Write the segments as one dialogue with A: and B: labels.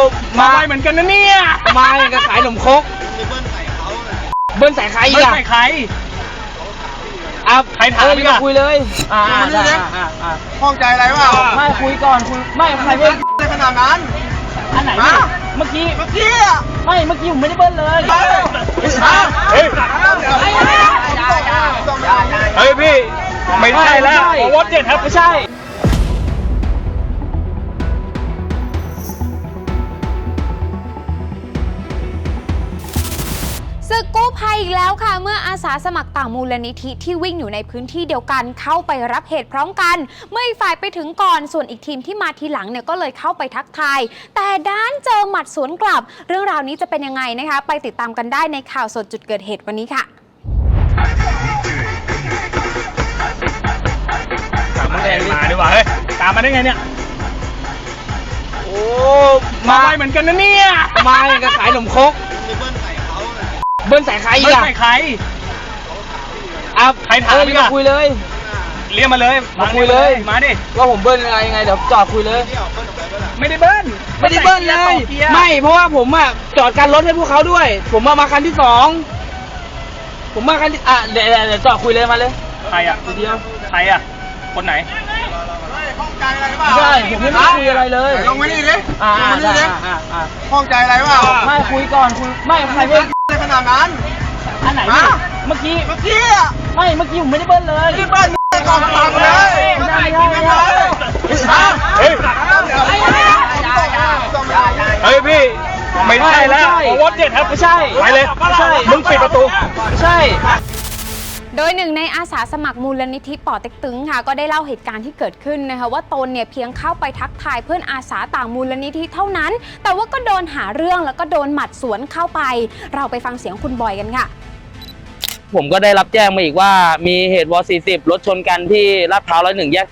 A: มาเหมือนกันนะเนี่ยมาอย่างกับขายขนมครกเบิ้ลใส่ใครอีกอะใครใครถามพี่ก็คุยเลย
B: ข้องใจอะไรวะ
A: ไม่คุยก่อนคุยไม่ใครเบิ้ล
B: อะไรขนาดนั้น
A: อันไหนเมื่อกี้
B: อะ
A: ไม่เมื่อกี้ผมไม่ได้เบิ้ลเลยเฮ้ยพี่ไม่ใช่แล้ววอตเจ็ดครับไม่ใช่
C: ศึกกู้ภัยอีกแล้วค่ะเมื่ออาสาสมัครต่างมูลนิธิที่วิ่งอยู่ในพื้นที่เดียวกันเข้าไปรับเหตุพร้อมกันเมื่ออีกฝ่ายไปถึงก่อนส่วนอีกทีมที่มาทีหลังเนี่ยก็เลยเข้าไปทักทายแต่ด้านเจอหมัดสวนกลับเรื่องราวนี้จะเป็นยังไงนะคะไปติดตามกันได้ในข่าวสดจุดเกิดเหตุวันนี้ค่ะ
A: ตามมาดีกว่าเฮ้ยตามมาได้ไงเนี่ยโอ้มาเหมือนกันนะเนี่ยมาอย่างกับขายขนมครกเบิ้ลใส่ใครอีกอะใครใครถามพี่ก็คุยเลยเรียกมาเลยมาคุยเลยมาดิว่าผมเบิ้ลยังไงเดี๋ยวจอดคุยเลยไม่ได้เบิ้ลเลยไม่เพราะว่าผมอะจอดกันรถให้พวกเขาด้วยผมมาคันที่สองผมมาคันที่เดี๋ยวจอดคุยเลยมาเลยใครอะเดียวใครอะคนไหน
B: ข้องใจอะไรวะ
A: ใช่ผมไม่ได้คุยอะไรเลย
B: ลงมานี่ดิข้องใจอะไรวะ
A: ไม่คุยก่อนคุยไม่ใครเบิ้ล
B: อะไรขนาดนั้น
A: อันไหนเมื่อกี้
B: อะ
A: ไม่เมื่อกี้ผมไม่ได้เบิ้ลเลย
B: เบิ้ลก่อนฟังเลย
A: เฮ้ยพี่ไม่ใช่แล้ววอตเจ็ดครับไม่ใช่ไปเลยมึงปิดประตูใช่
C: โดยหนึ่งในอาสาสมัครมูลนิธิป่อเต็กตึงค่ะก็ได้เล่าเหตุการณ์ที่เกิดขึ้นนะคะว่าตนเนี่ยเพียงเข้าไปทักทายเพื่อนอาสาต่างมูลนิธิเท่านั้นแต่ว่าก็โดนหาเรื่องแล้วก็โดนหมัดสวนเข้าไปเราไปฟังเสียงคุณบอยกันค่ะ
D: ผมก็ได้รับแจ้งมาอีกว่ามีเหตุว.40รถชนกันที่ลาดพร้าว101แยก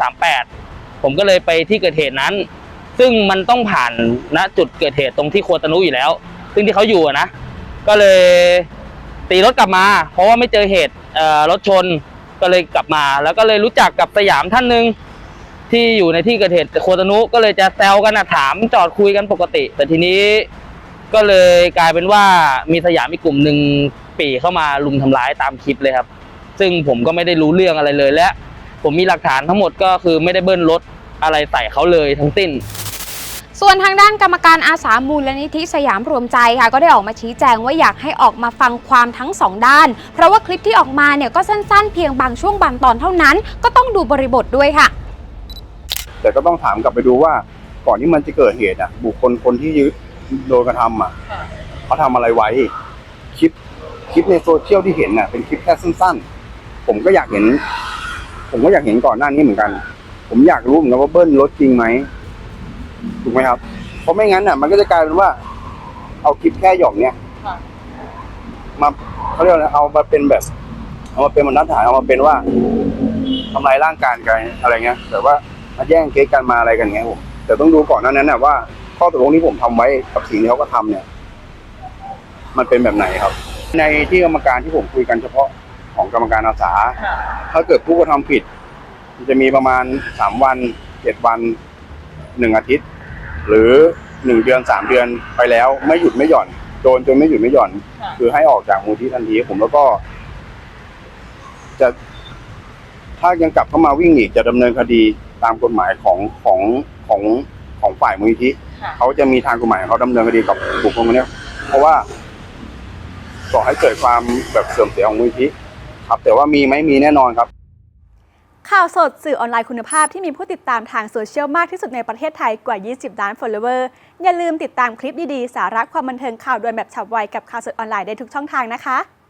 D: 38ผมก็เลยไปที่เกิดเหตุนั้นซึ่งมันต้องผ่านณจุดเกิดเหตุตรงที่โคตานุอยู่แล้วซึ่งที่เขาอยู่นะก็เลยตีรถกลับมาเพราะว่าไม่เจอเหตุรถชนก็เลยกลับมาแล้วก็เลยรู้จักกับสยามท่านหนึ่งที่อยู่ในที่เกิดเหตุโคตานุก็เลยจะแซวกันถามจอดคุยกันปกติแต่ทีนี้ก็เลยกลายเป็นว่ามีสยามอีกกลุ่มหนึ่งปี่เข้ามาลุมทำร้ายตามคลิปเลยครับซึ่งผมก็ไม่ได้รู้เรื่องอะไรเลยและผมมีหลักฐานทั้งหมดก็คือไม่ได้เบิ้ลรถอะไรใส่เขาเลยทั้งสิ้น
C: ส่วนทางด้านกรรมการอาสามูลนิธิสยามรวมใจค่ะก็ได้ออกมาชี้แจงว่าอยากให้ออกมาฟังความทั้งสองด้านเพราะว่าคลิปที่ออกมาเนี่ยก็สั้นๆเพียงบางช่วงบางตอนเท่านั้นก็ต้องดูบริบทด้วยค่ะ
B: แต่ก็ต้องถามกลับไปดูว่าก่อนที่มันจะเกิดเหตุบุคคลที่โดนกระทำเขาทำอะไรไว้คลิปในโซเชียลที่เห็นเป็นคลิปแค่สั้นๆผมก็อยากเห็นก่อนหน้านี้เหมือนกันผมอยากรู้เหมือนกันว่าเบิ้ลรถจริงไหมถูกไหมครับเพราะไม่งั้นมันก็จะกลายเป็นว่าเอาคลิปแค่หย่อมเนี้ยมาเขาเรียกอะไรเอามาเป็นแบบเอามาเป็นบรรทัดฐานเอามาเป็นว่าทำลายร่างกายกันอะไรเงี้ยแต่ว่ามาแย่งเค้กกันมาอะไรกันเงี้ยผมแต่ต้องดูก่อนนั้นว่าข้อตกลงที่ผมทำไว้กับสิ่งที่เขาก็ทำเนี่ยมันเป็นแบบไหนครับในที่กรรมการที่ผมคุยกันเฉพาะของกรรมการอาสาถ้าเกิดผู้กระทำผิดจะมีประมาณ3 วัน7 วัน1 อาทิตย์หรือ1 เดือน3 เดือนไปแล้วไม่หยุดไม่หย่อนโดนจนไม่หยุดไม่หย่อนคือให้ออกจากมูลนิธิทันทีผมแล้วก็จะถ้ายังกลับเข้ามาวิ่งอีกจะดำเนินคดีตามกฎหมายของฝ่ายมูลนิธิเขาจะมีทางกฎหมายเขาดำเนินคดีกับบุคคลคนนี้เพราะว่าก่อให้เกิดความแบบเสื่อมเสียของมูลนิธิครับแต่ว่ามีไหมมีแน่นอนครับ
E: ข่าวสดสื่อออนไลน์คุณภาพที่มีผู้ติดตามทางโซเชียลมากที่สุดในประเทศไทยกว่า20 ล้าน follower อย่าลืมติดตามคลิปดีๆสาระความบันเทิงข่าวด่วนแบบฉับไวกับข่าวสดออนไลน์ได้ทุกช่องทางนะคะ